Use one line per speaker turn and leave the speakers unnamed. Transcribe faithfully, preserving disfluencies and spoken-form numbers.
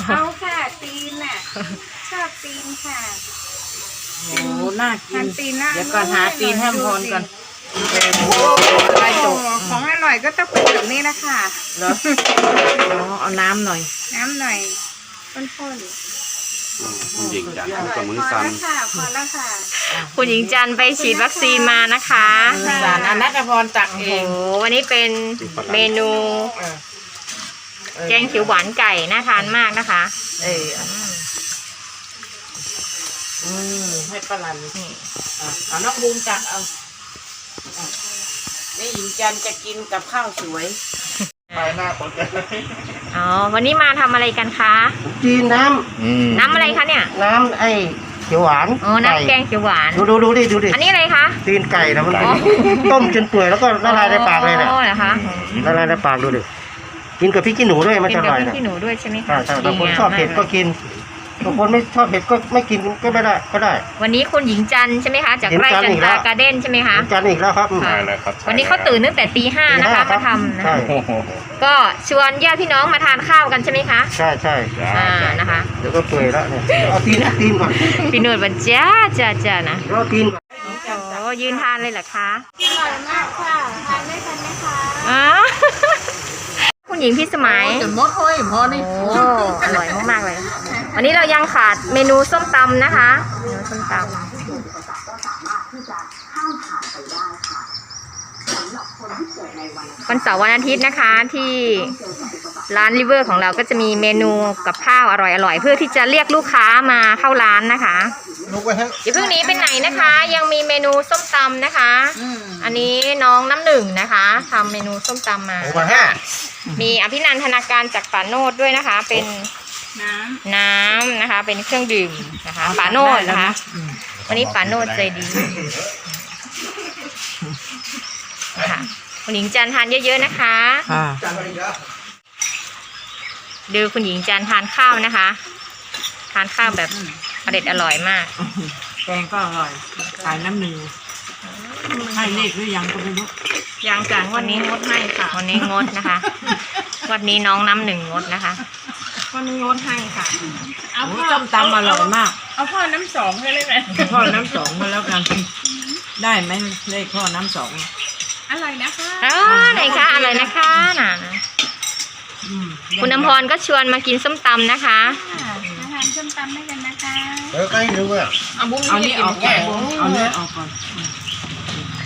เอาค่ะตีนน่ะชอบตีนค่ะ
โอ้น่ากิน
ตีนน่า
เดี๋ยวก่อนหาตีนให้พรก่อน
อะไรจบของอร่อยก็ต้องเป็นแบบนี้นะคะ
เหรออ๋อเอาน้ำหน่อย
น้ำหน่อยข้น
ๆคุณหญิงจันทร์กับมือ
ๆพอ
สั่น
แล้วค่ะพอแล้วค่ะ
คุณหญิงจันทร์ไปฉีดวัคซีนมานะคะ
สารอนัตพรตัก
โอ้
เอ
โห
ง
วันนี้เป็นเมนูแกงเขียวหวานไก่น่าทานมากนะคะ
เอออืมให้ปลาลันนี่เอาน้องบูมตักเอานี่หญิงจันจะกินกับข้าวสวยไปหน้าคนกัน
อ๋อวันนี้มาทำอะไรกันคะ
จีนน้ำ
น้ำอะไรคะเนี่ย
น้ำไอ้เขียวหวาน
อ๋อน้ำแกงเขียวหวาน
ดูดูดูดิดูดิ
อันนี้อะไรคะ
ตีนไก่นะมันต้มจนเปื่อยแล้วก็ละลายในปากเลยเนี่ย
อ๋อเหรอคะ
ละลายในปากดูดิกินกับพริกขี้หนูด้วยมัน
กิน
จะอ
กับ
ร่อย
พริก
นะ
ขี้หนูด้วยใช่ไหม
ใช่
คะ
ใช่บางคนชอบเผ็ดก็กินบางคนไม่ชอบเผ็ดก็ไม่กินก็ไม่ได้ก็ได้
วันนี้คุณหญิงจันทร์ใช่ไหมคะจากไร่จันตราการ์เด้นใช่ไหมคะ
กันอีกแล้วครับ
ค่ะวันนี้เขาตื่นตั้งแต่ตีห้านะคะมาทำนะ
ใช่
ก็ชวนญาติพี่น้องมาทานข้าวกันใช่ไหมคะ
ใช่ใช่
อ่านะคะ
เดี๋ยวก็เปื่อยแล้วเนี่ยเอาตีนเอาตีนก่อน
พี่นุ่นบันจ้าจ้าจ้านะ
เอาตีนก่อน
โอ้ยืนทานเลยเหรอคะ
อร่อยมากค่ะทานได้ทันไหมคะ
อ๋อ คุณหญิงพี่สมัย
จนมดห้อยพอนี่
โอ้อร่อยมากๆเลย วันนี้เรายังขาดเมนูส้มตำนะคะเมนูส้มตำวันเสาร์วันอาทิตย์นะคะที่ร้านริเวอร์ของเราก็จะมีเมนูกับข้าวอร่อยๆเพื่อที่จะเรียกลูกค้ามาเข้าร้านนะคะอย่าเพิ่งหนีไปไหนนะคะ ยังมีเมนูส้มตำนะคะ อันนี้น้องน้ำหนึ่งนะคะทำเมนูส้มตำมา
โอ้มาห้า
มีอภินันทนาการจากป่าโนดด้วยนะคะ เป็น
น้ำ
น้ำนะคะ เป็นเครื่องดื่มนะคะป่าโนดนะคะ วันนี้ป่าโนดใจดีค่ะคุณหญิงจันทานเยอะๆนะคะดูคุณหญิงจันทานข้าวนะคะ ทานข้าวแบบอร่อยอร่อยมาก
แกงก็อร่อยขายน้ำหนึ่งให้เลขหรือยังก็ไม่รู้
ยังจานวันนี้งดให้ค่ะวันนี้งดนะคะ วันนี้น้องน้ำหนึ่งงดนะคะวันนี้งดให้ค่ะ
เอาส้มตำอร่อยมาก
เอาพ่อน้ำสองให้เลยไหม
พ่อน้ำสองมาแล้วกันได้ไหมเลขพ่อน้ำสอง
อร่อยนะคะ
อ๋อไหนคะอร่อยนะคะน่ะนะคุณน้ำพรก็ชวนมากินส้มตำนะคะ
มาทานส้มตำด้วยกันนะคะ
เออใกล้รู้อ่ะ
เอานี้ออกก่อนเอาเนื้อออกก่อน